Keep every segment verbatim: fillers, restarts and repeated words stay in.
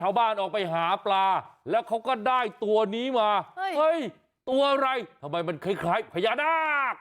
ชาวบ้านออกไปหาปลาแล้วเขาก็ได้ตัวนี้มาเฮ้ย เฮ้ยตัวอะไรทำไมมันคล้ายๆพญานาค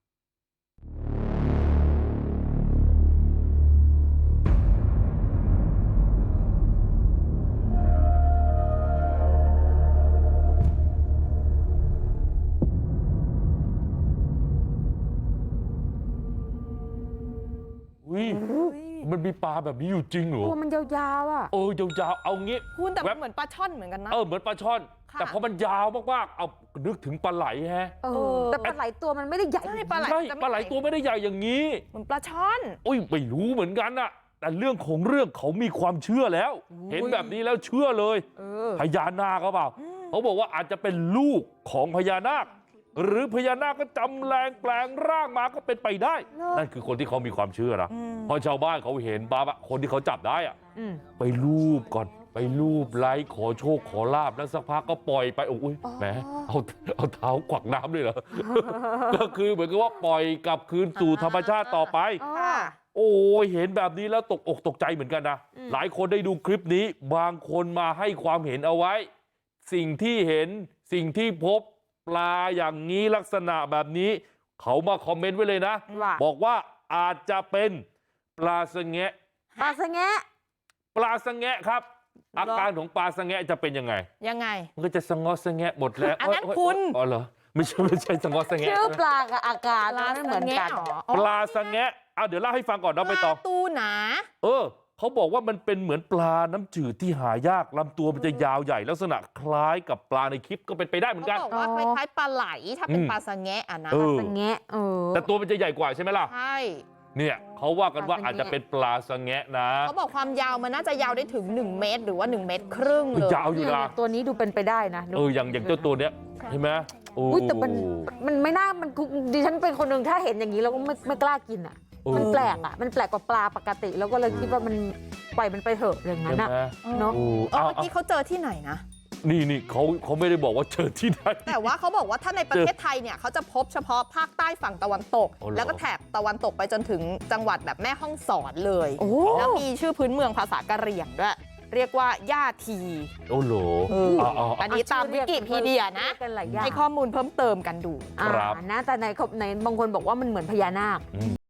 อุ้ยมันมีปลาแบบนี้อยู่จริงเหรอตัวมันยาวๆอ่ะเออยาวๆเอางี้คุณแต่มันเหมือนปลาช่อนเหมือนกันนะเออเหมือนปลาช่อนแต่พอมันยาวมากๆเอานึกถึงปลาไหลแฮะเออแต่ปลาไหลตัวมันไม่ได้ใหญ่ใช่ปลาไหลใช่ปลาไหลตัวไม่ได้ใหญ่อย่างนี้เหมือนปลาช่อนอุ้ยไม่รู้เหมือนกันน่ะแต่เรื่องของเรื่องเขามีความเชื่อแล้วเห็นแบบนี้แล้วเชื่อเลยพญานาคเขาเปล่าเขาบอกว่าอาจจะเป็นลูกของพญานาคหรือพญานาคก็จำแรงแปลงร่างมาก็เป็นไปได้นั่นคือคนที่เขามีความเชื่อนะพอชาวบ้านเขาเห็นปั๊บคนที่เขาจับได้อะไปลูบก่อนไปลูบไล้ขอโชคขอลาบแล้วสักพักก็ปล่อยไปโอ้ยแหมเอาเอาเท้าขวักน้ำเลยเหรอ ก็คือเหมือนกับว่าปล่อยกลับคืนสู่ธรรมชาติต่อไปโอ้ยเห็นแบบนี้แล้วตกอกตกใจเหมือนกันนะหลายคนได้ดูคลิปนี้บางคนมาให้ความเห็นเอาไว้สิ่งที่เห็นสิ่งที่พบปลาอย่างนี้ลักษณะแบบนี้เขามาคอมเมนต์ไว้เลยนะบอกว่าอาจจะเป็นปลาสะแงะปลาสะแงะปลาสะแงะครับอาการของปลาสะแงะจะเป็นยังไงยังไงมันก็จะสะงอสะแงะหมดแล้วอันนั้นคุณอ๋อเหรอไม่ใช่ไม่ใช่สะงอสะแงะชื่อปลากับอาการไม่เหมือนกันปลาสะแงะเอาเดี๋ยวเล่าให้ฟังก่อนนะไปต่อตูหนาเออเขาบอกว่ามันเป็นเหมือนปลาน้ำจืดที่หายากลำตัวมันจะยาวใหญ่ลักษณะคล้ายกับปลาในคลิปก็เป็นไปได้เหมือนกันเขาบอกว่าคล้ายๆปลาไหลถ้าเป็นปลาสะแงะอ่ะนะปลาสะแงะเออแต่ตัวมันจะใหญ่กว่าใช่ไหมล่ะใช่เนี่ยเขาว่ากันว่าอาจจะเป็นปลาสะแงะนะเขาบอกความยาวมันน่าจะยาวได้ถึงหนึ่งเมตรหรือว่าหนึ่งเมตรครึ่งเลยยาวอยู่นะตัวนี้ดูเป็นไปได้นะเอออย่างอย่างเจ้าตัวเนี้ยใช่ไหมโอ้แต่มันมันไม่น่ามันดิฉันเป็นคนหนึ่งถ้าเห็นอย่างนี้เราก็ไม่ไม่กล้ากินอ่ะมันแปลกอ่ะมันแปลกกว่าปลาปกติแล้วก็เลยคิดว่ามันปล่อยมันไปเถอะอย่างนั้นอ่ะเนาะเมื่อกี้เขาเจอที่ไหนนะนี่นี่เขาเขาไม่ได้บอกว่าเจอที่ไหนแต่ว่าเขาบอกว่าถ้าในประเทศไทยเนี่ยเขาจะพบเฉพาะภาคใต้ฝั่งตะวันตกแล้วก็แถบตะวันตกไปจนถึงจังหวัดแบบแม่ฮ่องสอนเลยแล้วมีชื่อพื้นเมืองภาษากะเหรี่ยงด้วยเรียกว่าย่าทีโอ้โหอันนี้ตามวิกิพีเดียนะให้ข้อมูลเพิ่มเติมกันดูครับนะแต่ในในบางคนบอกว่ามันเหมือนพญานาค